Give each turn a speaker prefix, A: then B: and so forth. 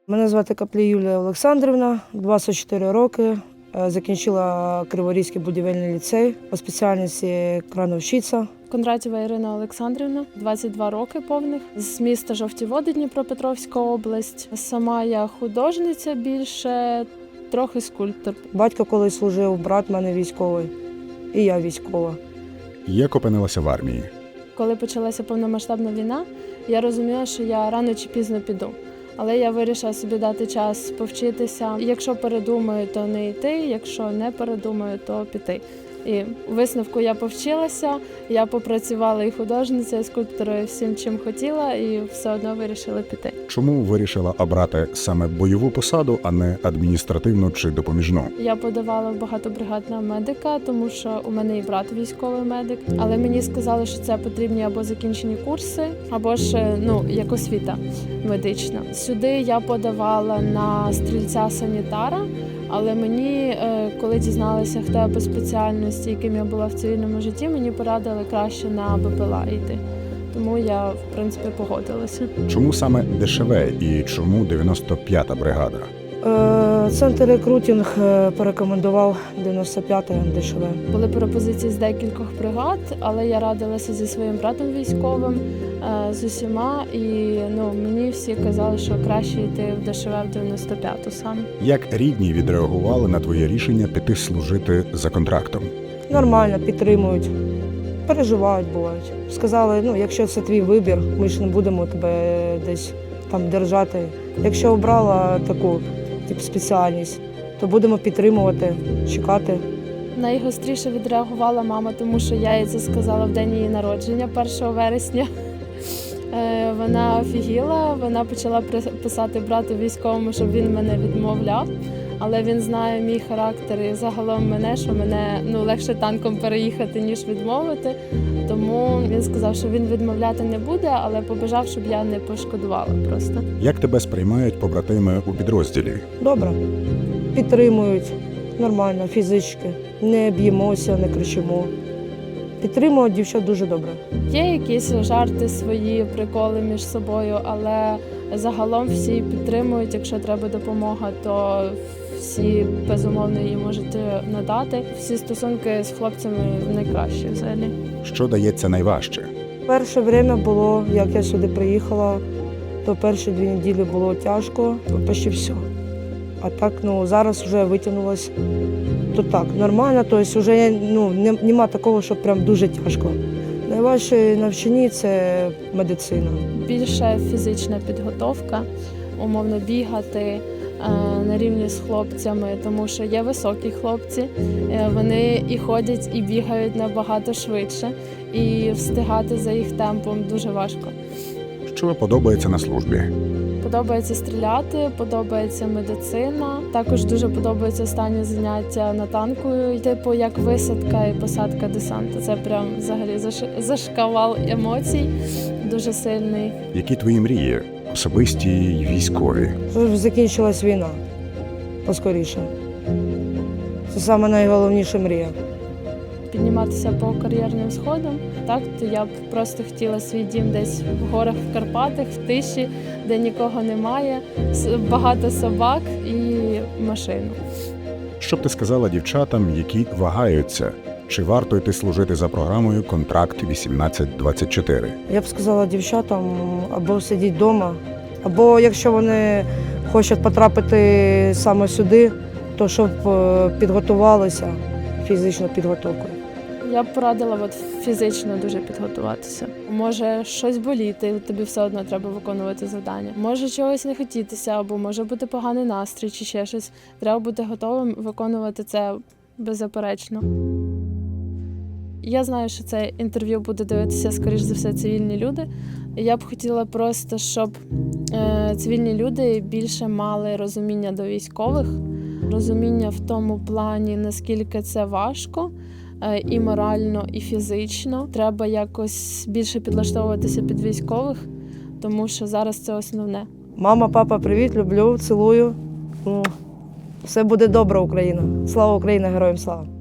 A: Мене звати Каплій Юлія Олександрівна, 24 роки. Закінчила Криворізький будівельний ліцей по спеціальності крановщиця.
B: Кондратєва Ірина Олександрівна, 22 роки повних, з міста Жовті Води, Дніпропетровська область. Сама я художниця більше, трохи скульптор.
A: Батько колись служив, брат в мене військовий, і я військова.
C: Як опинилася в армії?
B: Коли почалася повномасштабна війна, я розуміла, що я рано чи пізно піду. Але я вирішила собі дати час повчитися. Якщо передумаю, то не йти, якщо не передумаю, то піти. І у висновку я повчилася, я попрацювала і художницею, і скульпторою, всім, чим хотіла, і все одно вирішила піти.
C: Чому вирішила обрати саме бойову посаду, а не адміністративну чи допоміжну?
B: Я подавала в багатобригадного медика, тому що у мене і брат військовий медик. Але мені сказали, що це потрібні або закінчені курси, або ж як освіта медична. Сюди я подавала на стрільця-санітара. Але мені, коли дізналася, хто я по спеціальності, яким я була в цивільному житті, мені порадили краще на БПЛА йти. Тому я, в принципі, погодилася.
C: Чому саме ДШВ і чому 95-та бригада?
A: Центр рекрутинг порекомендував 95-й ДШВ.
B: Були пропозиції з декількох бригад, але я радилася зі своїм братом військовим, з усіма, і мені всі казали, що краще йти в ДШВ в 95-ту саме.
C: Як рідні відреагували на твоє рішення піти служити за контрактом?
A: Нормально, підтримують, переживають, бувають. Сказали, якщо це твій вибір, ми ж не будемо тебе десь там держати. Якщо обрала таку спеціальність, то будемо підтримувати, чекати.
B: Найгостріше відреагувала мама, тому що я їй це сказала в день її народження, 1 вересня. Вона офігіла, вона почала писати брату військовому, щоб він мене відмовляв. Але він знає мій характер і загалом мене, що мене легше танком переїхати, ніж відмовити. Тому він сказав, що він відмовляти не буде, але побажав, щоб я не пошкодувала просто.
C: Як тебе сприймають побратими у підрозділі?
A: Добре. Підтримують, нормально, фізички. Не б'ємося, не кричимо. Підтримують дівчат дуже добре.
B: Є якісь жарти свої, приколи між собою, але загалом всі підтримують. Якщо треба допомога, то всі безумовно її можуть надати. Всі стосунки з хлопцями найкращі взагалі.
C: Що дається найважче?
A: Перше время було, як я сюди приїхала, то перші 2 неділі було тяжко, почти все. А так, зараз вже витягнулося. То так, нормально, тобто вже нема такого, що прям дуже тяжко. Найважче навчання – це медицина.
B: Більше фізична підготовка, умовно бігати на рівні з хлопцями, тому що є високі хлопці, вони і ходять, і бігають набагато швидше, і встигати за їх темпом дуже важко.
C: Що подобається на службі?
B: Подобається стріляти, подобається медицина. Також дуже подобається останнє заняття на танку, типу як висадка і посадка десанту. Це прям взагалі зашквал емоцій, дуже сильний.
C: Які твої мрії? Особисті й військові?
A: Щоб закінчилась війна поскоріше. Це саме найголовніша мрія.
B: Підніматися по кар'єрним сходам. Так, то я б просто хотіла свій дім десь в горах, в Карпатах, в тиші, де нікого немає, багато собак і машину.
C: Що б ти сказала дівчатам, які вагаються? Чи варто йти служити за програмою «Контракт 18-24»?
A: Я б сказала дівчатам або сидіти вдома, або якщо вони хочуть потрапити саме сюди, то щоб підготувалися фізичною підготовкою.
B: Я б порадила фізично дуже підготуватися. Може щось боліти, тобі все одно треба виконувати завдання. Може чогось не хотітися, або може бути поганий настрій, чи ще щось. Треба бути готовим виконувати це беззаперечно. Я знаю, що це інтерв'ю буде дивитися, скоріш за все, цивільні люди. Я б хотіла просто, щоб цивільні люди більше мали розуміння до військових, розуміння в тому плані, наскільки це важко, і морально, і фізично. Треба якось більше підлаштовуватися під військових, тому що зараз це основне.
A: Мама, папа, привіт, люблю, цілую. Все буде добре, Україна. Слава Україні, героям слава!